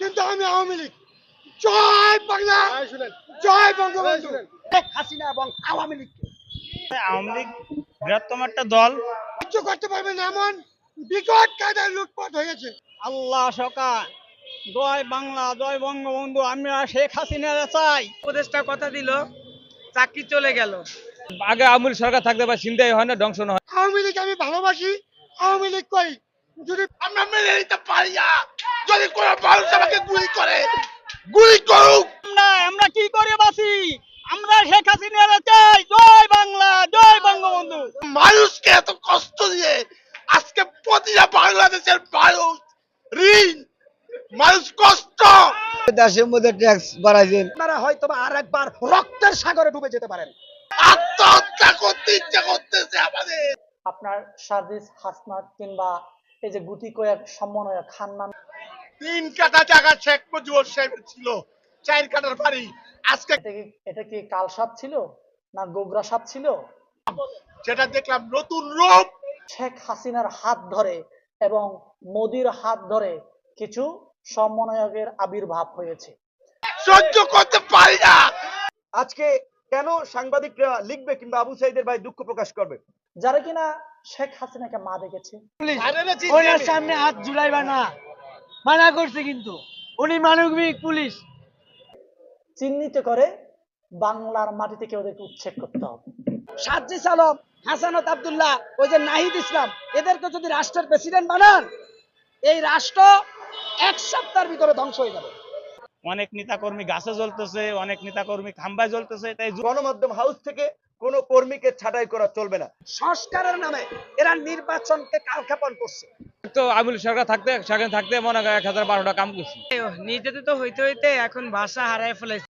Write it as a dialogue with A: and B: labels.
A: কিন্তু আমি আওয়ামী লীগ। জয় বাংলা, জয় বঙ্গবন্ধু। শেখ হাসিনা এবং আওয়ামী লীগকে
B: আওয়ামী লীগ বৃহত্তম একটা দল।
A: সহ্য করতে পারবেন না, এমন বিকট কায়দায় লুটপাট হয়েছে।
B: আল্লাহ সকা, জয় বাংলা, জয় বঙ্গবন্ধু। আমরা শেখ হাসিনা চাই।
C: উপদেষ্টা কথা দিল, চাকরি চলে গেল।
B: আগে আওয়ামী লীগ সরকার থাকতে বা চিন্তাই হয় না, ধ্বংস না হয়।
A: আওয়ামী লীগ আমি ভালোবাসি, আওয়ামী লীগ করি। যদি
D: আমরা মেনে নিতে পারি না, যদি কোনো মানুষ আমাকে গুলি করে, গুলি করুক।
B: আমরা কি করে বাঁচি? আমরা শেখ হাসিনা চাই। জয় বাংলা, জয় বঙ্গবন্ধু।
D: মানুষকে এত কষ্ট দিয়ে আজকে প্রতিটা বাংলাদেশের মানুষ ঋণ, মানুষ কষ্ট।
E: দেশের মধ্যে ট্যাক্স বাড়াইছেন,
A: আপনারা হয়তো আর একবার রক্তের সাগরে ডুবে যেতে পারেন।
D: আত্মহত্যা করতে ইচ্ছা করতেছে আমাদের।
F: আপনার সার্জিস হাসনাত কিংবা এই যে গুটি কয়েক সমন্বয়ক খান্নান,
D: 3 কাঠা জায়গা শেখ মুজিবুর সাহেবের ছিল, 4 কাঠার বাড়ি। আজকে
F: এটা কি কাল সাপ ছিল না গোগরা সাপ ছিল?
D: যেটা দেখলাম নতুন রূপ।
F: শেখ হাসিনার হাত ধরে এবং মোদির হাত ধরে কিছু সমন্বয়কের আবির্ভাব হয়েছে।
D: সহ্য করতে পারি না।
E: আজকে কেন সাংবাদিকরা লিখবে কিংবা আবু সাইদের ভাই দুঃখ প্রকাশ করবে?
F: যারা কিনা শেখ হাসিনাকে মা দেখেছে,
C: ওনার সামনে হাত ঝুলাইবা না, মানা করছে কিন্তু উনি মানবিক পুলিশ।
F: চিহ্নিত করে বাংলার মাটি থেকে ওদেরকে উচ্ছেদ করতে হবে।
C: সার্জিস আলম, হাসানত আব্দুল্লাহ, ওই যে নাহিদ ইসলাম, এদেরকে যদি রাষ্ট্রের প্রেসিডেন্ট বানান, এই রাষ্ট্র 1 সপ্তাহের ভিতরে ধ্বংস হয়ে যাবে।
B: অনেক নেতাকর্মী গাছে জ্বলতেছে, অনেক নেতাকর্মী খাম্বায় জ্বলতেছে। তাই
E: গণমাধ্যম হাউস থেকে কোনো কর্মীকে ছাঁটাই করা চলবে না।
C: সংস্কারের নামে এরা নির্বাচনকে কালক্ষেপণ করছে।
B: তো আওয়ামী লীগ সরকার থাকতে সেখানে থাকতে মনে হয় 1000-1200 কাম করছি।
C: নির্যাতিত হইতে হইতে এখন ভাষা হারায় ফেলেছে।